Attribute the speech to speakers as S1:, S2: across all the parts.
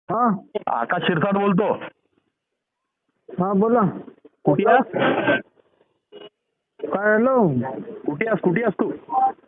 S1: हा
S2: आकाश शिरसाट बोलतो.
S1: हा बोला.
S2: कुठे आहेस?
S1: काय हॅलो.
S2: कुठे आहेस तू?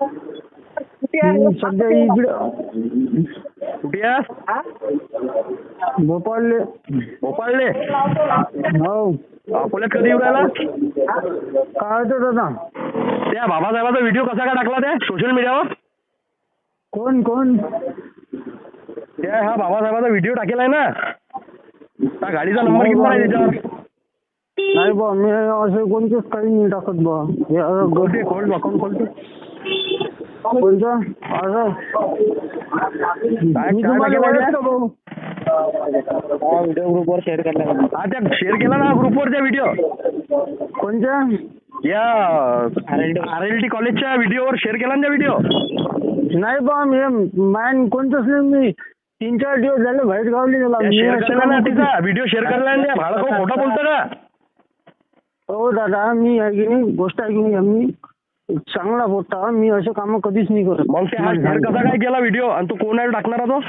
S1: मी सध्या इकडे
S2: कुठे आहेस?
S1: भोपाळले.
S2: भोपाळले.
S1: हो.
S2: अकोल्यात कधी येऊ राहिला?
S1: काय होतं दादा?
S2: त्या बाबासाहेबाचा व्हिडिओ कसा काय टाकला त्या सोशल मीडियावर?
S1: कोण कोण?
S2: त्या हा बाबासाहेबाचा व्हिडिओ टाकेला आहे ना, त्या गाडीचा नंबर किती आहे त्याच्यावर?
S1: नाही बा, मी असं कोणतेच काही नाही टाकत बा.
S2: खोलते अकाउंट खोलते.
S1: कोणतं असं मी तुम्हाला ओळखतो भाऊ.
S2: व्हिडिओ ग्रुपवर शेअर केला. हा त्या शेअर केला ना ग्रुपवर त्या व्हिडिओ.
S1: कोणत्या?
S2: या RLT कॉलेजच्या व्हिडिओवर शेअर केला ना त्या व्हिडिओ.
S1: नाही बा, मी मॅन कोणतंच नाही. मी 3-4 दिवस झाले बाहेर गावली गेला.
S2: शेअर केला ना तिचा व्हिडिओ शेअर केला ना. भाडं खोटा बोलतो का?
S1: हो दादा, मी आहे की नाही, गोष्ट आहे की नाही, मी चांगला बोलता. मी असे काम कधीच नाही करत.
S2: मग ते हा शेअर कसा काय केला व्हिडिओ? आणि तू कोण आहे टाकणारा तो?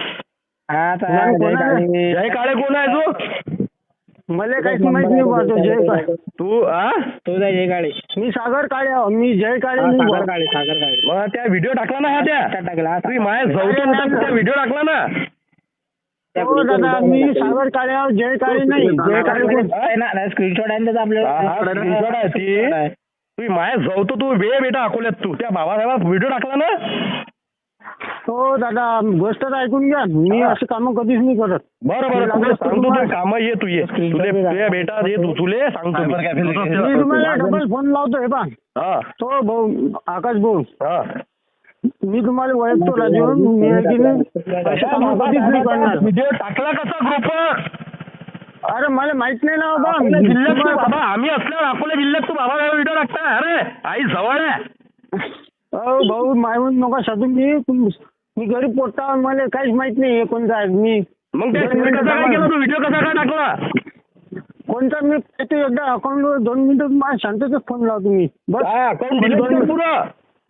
S2: जय काळे कोण आहे तू?
S1: मला काहीच माहित नाही बा. तो जय काळे.
S2: तू जय काळे.
S1: मी सागर काळे आहो. मी जय काळे नाही.
S2: सागर काळे. मग त्या व्हिडिओ टाकला ना हा त्या टाकला. तुम्ही माझ्या जवळ त्या व्हिडिओ टाकला ना.
S1: हो दादा, मी सागर काळे आहो, जय काळे नाही. जय काळे
S2: स्क्रीनशॉट आहे त्याचा आपल्याला. स्क्रीनशॉट आहे ती. तुम्ही माझ्या जवळ तू बेटा अकोल्यात तू त्या बाबासाहेब व्हिडिओ टाकला ना.
S1: हो दादा, गोष्ट तर ऐकून घ्या. मी असे काम कधीच नाही करत.
S2: बरं सांगतो तू काम ये. तू ये तुझ्या बेटा ये तुले सांगतो
S1: मी तुम्हाला डबल फोन लावतो. हे पा तो भाऊ आकाश भाऊ, मी तुम्हाला ओळखतो राजू. मी आहे की नाही, असे काम कधीच नाही करणार.
S2: व्हिडिओ टाकला कसा ग्रुपवर?
S1: अरे मला माहित नाही ना बाबा.
S2: जिल्ह्यात बाबा आम्ही असल्यावर अकोला जिल्ह्यात तू बाबा व्हिडिओ टाकता? अरे आई जवळ आहे.
S1: हो भाऊ, मायवून नका साधून. मी गरीब पोटता. मला काहीच माहित नाही कोणता आहे. मी
S2: मग कसा काय केला तू व्हिडिओ कसा काय टाकला?
S1: कोणता मी एकदा अकाउंटवर 2 मिनिटं माझ्या शांततेत फोन लावतो मी. बस
S2: अकाउंट दिलं पुरं.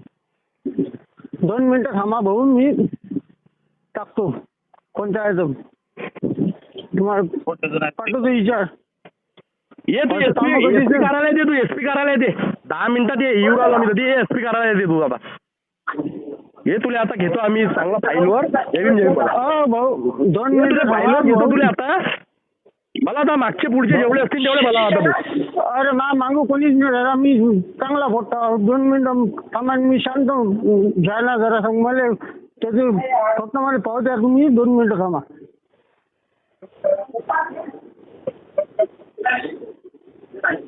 S1: 2 मिनिटं थांबा भाऊ, मी टाकतो. कोणता आहे तो तुम्हाला पाठवतो विचार.
S2: ये तू एसपी करायला येते. तू एसपी करायला येते 10 मिनिटात. ये येऊ राहिला मी कधी. एसपी करायला येते तू आता. ये तुला आता घेतो आम्ही चांगला फाईलवर.
S1: भाऊ 2 मिनिटं
S2: फाईलवर घेतो तुला आता. मला आता मागचे पुढचे जेवढे असतील तेवढे मला आता तू.
S1: अरे मागू कोणीच नाही दादा. मी चांगला फोटो. 2 मिनिटं थांबा. मी शांत घ्यायला जरा सांग मला. त्याचे फक्त मला पाहू द्या तुम्ही. 2 मिनिटं थांबा.